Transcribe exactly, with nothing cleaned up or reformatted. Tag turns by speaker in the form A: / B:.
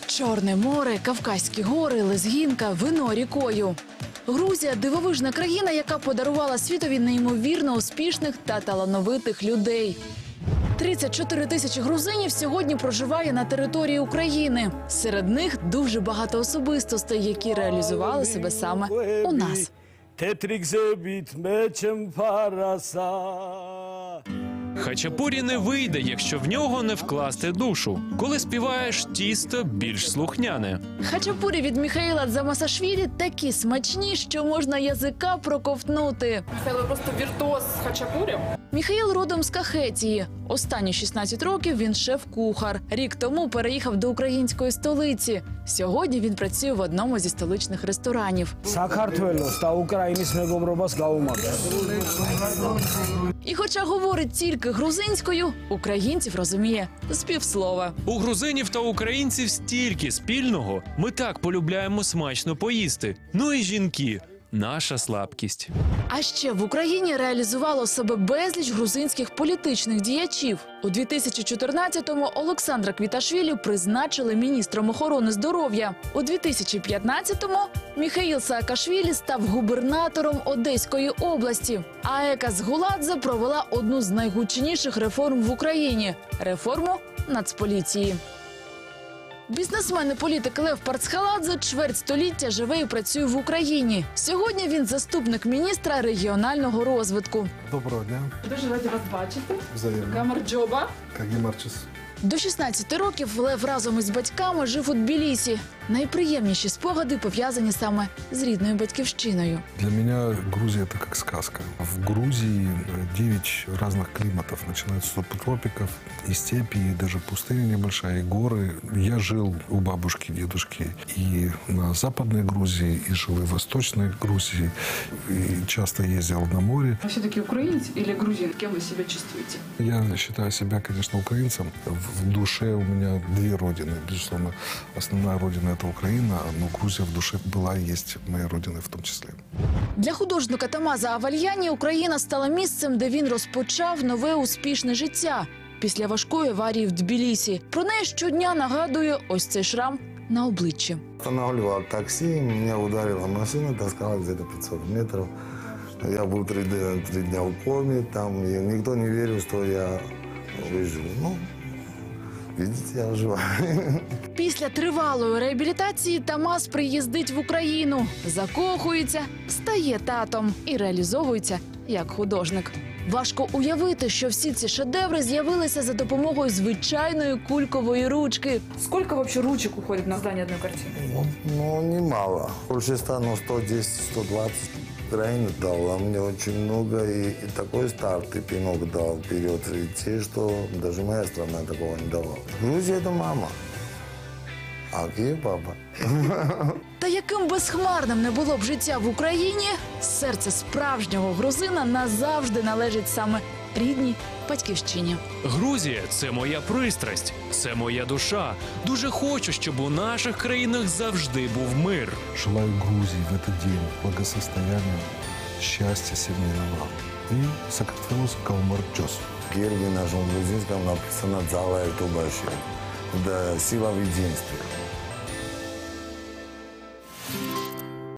A: Чорне море, Кавказькі гори, Лезгінка, вино рікою. Грузія – дивовижна країна, яка подарувала світові неймовірно успішних та талановитих людей. тридцять чотири тисячі грузинів сьогодні проживає на території України. Серед них дуже багато особистостей, які реалізували себе саме у нас.
B: Хачапурі не вийде, якщо в нього не вкласти душу. Коли співаєш, тісто більш слухняне.
A: Хачапурі від Міхаїла Дзамасашвілі такі смачні, що можна язика проковтнути.
C: Михайло просто віртуоз з хачапурі.
A: Міхаїл родом з Кахетії. Останні шістнадцять років він шеф-кухар. Рік тому переїхав до української столиці. Сьогодні він працює в одному зі столичних ресторанів. І хоча говорить тільки грузинською, українців розуміє з півслова.
B: У грузинів та українців стільки спільного. Ми так полюбляємо смачно поїсти. Ну і жінки – наша слабкість.
A: А ще в Україні реалізувало себе безліч грузинських політичних діячів. У дві тисячі чотирнадцятому Олександра Квіташвілі призначили міністром охорони здоров'я. У дві тисячі п'ятнадцятому Міхаїл Саакашвілі став губернатором Одеської області. А Ека Згуладзе провела одну з найгучніших реформ в Україні – реформу Нацполіції. Бізнесмен і політик Лев Парцхаладзе чверть століття живе і працює в Україні. Сьогодні він заступник міністра регіонального розвитку.
D: Доброго дня.
C: Дуже раді вас бачити.
D: Взаємно.
C: Камерджоба.
D: Кагімарчис.
A: До шістнадцяти років Лев разом із батьками жив у Тбілісі. Найприємніші спогади пов'язані саме з рідною батьківщиною.
D: Для меня Грузия – это как сказка. В Грузии девять разных климатов, начиная с субтропиков, и степи, и даже пустыня небольшая, и горы. Я жил у бабушки, дедушки и на Западной Грузии, и жил и в Восточной Грузии, и часто ездил на море.
C: Вы все-таки украинец или грузин? Кем вы себя чувствуете?
D: Я считаю себя, конечно, украинцем. В душе у меня две родины. Безусловно, основная родина – это Украина, но Грузия в душе была и есть моей родиной в том числе.
A: Для художника Тамаза Авальяні Україна стала місцем, де він розпочав нове успішне життя після важкої аварії в Тбілісі. Про неї щодня нагадує ось цей шрам на обличчі.
E: Останавливал такси, меня ударила машина, таскала где-то пятьсот метров. Я был три, три дня в коме, там и никто не верил, что я выживу. Ну, видите, я жива.
A: Після тривалої реабілітації Тамаз приїздить в Україну, закохується, стає татом і реалізовується як художник. Важко уявити, що всі ці шедеври з'явилися за допомогою звичайної кулькової ручки.
C: Сколько вообще ручек уходит на создание одной картины?
E: Ну, ну немало. Больше ста, ну, сто десять - сто двадцать. Украина дала мне очень много, и, и такой старт, и пинок дал вперед идти, что даже моя страна такого не давала. Грузия – это мама, а Киев – папа.
A: Та яким безхмарним не було б життя в Україні, серце справжнього грузина назавжди належить саме рідній батьківщині.
B: Грузія – це моя пристрасть, це моя душа. Дуже хочу, щоб у наших країнах завжди був мир.
D: Желаю Грузии в этот день благосостояния, счастья, семейного и Сакартвелос Калмарчос.
E: В гербе нашем грузинском написано «Залая Тубаши». Это сила в единстве.